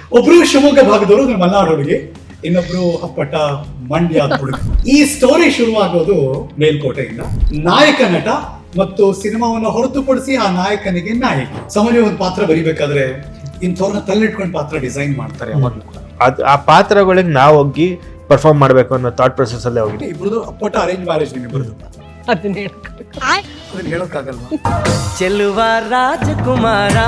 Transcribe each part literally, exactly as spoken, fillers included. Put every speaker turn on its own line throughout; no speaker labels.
ಒಬ್ರು ಶಿವಮೊಗ್ಗ ಭಾಗದವರು, ಅಂದ್ರೆ ಮಲೆನಾಡು ಹುಡುಗಿ, ಇನ್ನೊಬ್ರು ಅಪ್ಪಟ ಮಂಡ್ಯ ಹುಡುಗ. ಈ ಸ್ಟೋರಿ ಶುರುವಾಗೋದು ಮೇಲ್ಕೋಟೆಯಿಂದ. ನಾಯಕ ನಟ ಮತ್ತು ಸಿನಿಮಾವನ್ನು ಹೊರತುಪಡಿಸಿ ಆ ನಾಯಕನಿಗೆ ನಾಯಕಿ. ಸಾಮಾನ್ಯ ಒಂದು ಪಾತ್ರ ಬರಿಬೇಕಾದ್ರೆ ಇಂಥವ್ರನ್ನ ತಲ್ಲಿಟ್ಕೊಂಡು ಪಾತ್ರ ಡಿಸೈನ್ ಮಾಡ್ತಾರೆ ಯಾವಾಗ್ಲೂ ಕೂಡ.
ಅದ್ ಆ ಪಾತ್ರಗಳಿಗೆ ನಾವು ಹೋಗಿ ಪರ್ಫಾರ್ಮ್ ಮಾಡ್ಬೇಕು ಅನ್ನೋ ಥಾಟ್ ಪ್ರೊಸೆಸ್ ಅಲ್ಲೇ ಹೋಗಿ.
ಇಬ್ರದ್ದು ಅಪ್ಪಟ ಅರೇಂಜ್ ಮ್ಯಾರೇಜ್ ನಿಮ್ಮಿಬ್ರದ್ದು,
ಅದನ್ನ
ಅದನ್ನ ಹೇಳೋಕ್ಕಾಗಲ್ವಾ?
ಚೆಲುವ ರಾಜಕುಮಾರ.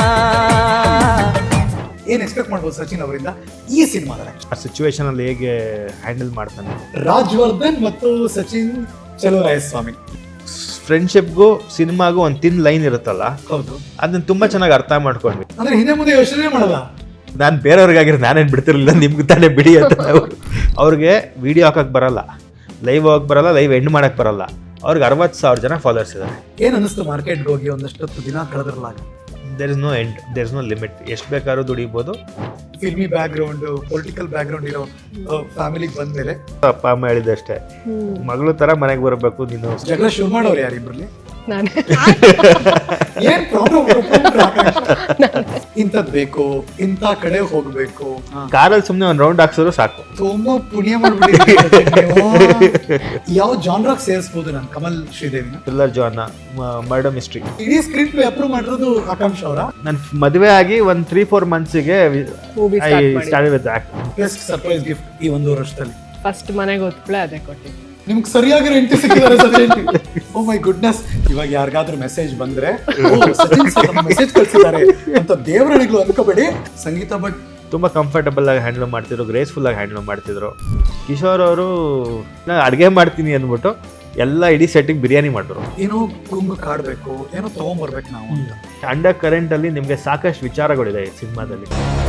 ಏನ್ ಎಕ್ಸ್ಪೆಕ್ಟ್ ಮಾಡ್ಬೋದು ಸಚಿನ್ ಅವರಿಂದ ಈ ಸಿನಿಮಾದಲ್ಲಿ?
ಆ ಸಿಚುವೇಶನ್ ಅಲ್ಲಿ ಹೇಗೆ ಹ್ಯಾಂಡಲ್ ಮಾಡ್ತಾನೆ.
ರಾಜವರ್ಧನ್ ಮತ್ತು ಸಚಿನ್ ಚಲುವರಾಯಸ್ವಾಮಿ
ಫ್ರೆಂಡ್ಶಿಪ್ಗೂ ಸಿನಿಮಾಗೂ ಒಂದು ತಿನ್ ಲೈನ್ ಇರುತ್ತಲ್ಲ,
ಹೌದು,
ಅದನ್ನ ತುಂಬಾ ಚೆನ್ನಾಗಿ ಅರ್ಥ ಮಾಡ್ಕೊಂಡ್ವಿ.
ಅಂದ್ರೆ ಹಿಂದೆ ಮುಂದೆ ಯೋಚನೆ ಮಾಡಲ್ಲ.
ನಾನು ಬೇರೆಯವ್ರಿಗಾಗಿರೋ ನಾನೇನು ಬಿಡ್ತಿರ್ಲಿಲ್ಲ, ನಿಮ್ಗೆ ತಾನೇ ಬಿಡಿ ಅಂತ. ಅವರು ಅವ್ರಿಗೆ ವಿಡಿಯೋ ಹಾಕಕ್ ಬರಲ್ಲ, ಲೈವ್ ಹೋಗಕ್ ಬರಲ್ಲ, ಲೈವ್ ಎಂಡ್ ಮಾಡಕ್ ಬರಲ್ಲ. ಅವ್ರಿಗೆ ಅರವತ್ತು ಸಾವಿರ ಜನ ಫಾಲೋವರ್ಸ್ ಇದ್ದಾರೆ.
ಏನ್ ಅನಿಸ್ತು ಮಾರ್ಕೆಟ್ಗೆ ಹೋಗಿ ಒಂದಷ್ಟು ದಿನ ಕಳೆದ್ರಲ್ಲ?
There is no end, there is no limit. ಎಷ್ಟು ಬೇಕಾದ್ರೂ ದುಡಿಬೋದು.
Filmy background, political background ಇರೋ ಫ್ಯಾಮಿಲಿಗೆ ಬಂದ್ಮೇಲೆ
ಅಪ್ಪ ಅಮ್ಮ ಹೇಳಿದಷ್ಟೇ, ಮಗಳು ತರ ಮನೆಗೆ ಬರಬೇಕು. ನೀನು
ಜಗಳ ಶುರು ಮಾಡೋರು ಯಾರಿಬ್ರಲ್ಲಿ?
ನಾನೇ.
ಏನ್ ಪ್ರಾಬ್ಲಮ್? ಇಂಥದ್ ಬೇಕು, ಇಂಥ ಕಡೆ ಹೋಗ್ಬೇಕು.
ಕಾರಲ್ಲಿ ಸುಮ್ನೆ ಒಂದ್ ರೌಂಡ್ ಹಾಕ್ಸಿದ್ರು ಸಾಕು.
ತುಂಬಾ ಪುಣ್ಯ ಮಾಡ್ಬಿಟ್ಟಿದ್ದೀರಿ. ಯಾವ ಜಾನ್ರಾಗ್ ಸೇರಿಸಬಹುದು ನಾನು ಕಮಲ್ ಶ್ರೀದೇವಿನ?
Thriller genre, murder mystery.
ಇಡೀ ಸ್ಕ್ರಿಪ್ಟ್ ಅಪ್ರೂವ್ ಮಾಡಿರೋದು ಆಕಾಂಕ್ಷ ಅವರ.
ನನ್ ಮದುವೆ ಆಗಿ ಒಂದ್ ತ್ರೀ ಫೋರ್ ಮಂತ್ಸಿಗೆ
Movie
ಐ
start ಮಾಡಿ.
Started with act.
Best surprise gift ಈ ಒಂದು ವರ್ಷದಲ್ಲಿ
ಫಸ್ಟ್ ಮನೆಗೆ ಹೊತ್ಕೊಳ್ಳೆ ಅದೇ ಕೊಟ್ಟಿದ್ದು.
ನಿಮ್ಗೆ ಸರಿಯಾಗಿರೋ ಎಂಟಿ ಸಿಕ್ಕಿದ್ದಾರೆ ಸಚಿನ್. ಓ ಮೈ ಗುಡ್ನೆಸ್. ಇವಾಗ ಯಾರಿಗಾದ್ರೂ ಮೆಸೇಜ್ ಬಂದ್ರೆ ಸಚಿನ್ ಸರ್ ಮೆಸೇಜ್ ಕಳ್ಸಿದ್ದಾರೆ ಅಂತ ದೇವರಣಿಗಳು ಅನ್ಕೋಬೇಡಿ. ಸಂಗೀತ ಭಟ್
ತುಂಬಾ ಕಂಫರ್ಟಬಲ್ ಆಗಿ ಹ್ಯಾಂಡಲ್ ಮಾಡ್ತಿದ್ರು, ಗ್ರೇಸ್ಫುಲ್ ಆಗಿ ಹ್ಯಾಂಡಲ್ ಮಾಡ್ತಿದ್ರು. ಕಿಶೋರ್ ಅವರು ನಾನು ಅಡುಗೆ ಮಾಡ್ತೀನಿ ಅಂದ್ಬಿಟ್ಟು ಎಲ್ಲ ಇಡೀ ಸೆಟ್ಟಿಗೆ ಬಿರಿಯಾನಿ ಮಾಡಿದ್ರು.
ಏನೋ ಗುಂಗು ಕಾಡ್ಬೇಕು, ಏನೋ ತಗೊಂಡ್ಬರ್ಬೇಕು ನಾವು ಅಂತ.
ಅಂಡರ್ ಕರೆಂಟ್ ಅಲ್ಲಿ ನಿಮ್ಗೆ ಸಾಕಷ್ಟು ವಿಚಾರಗಳಿದೆ ಈ ಸಿನಿಮಾದಲ್ಲಿ.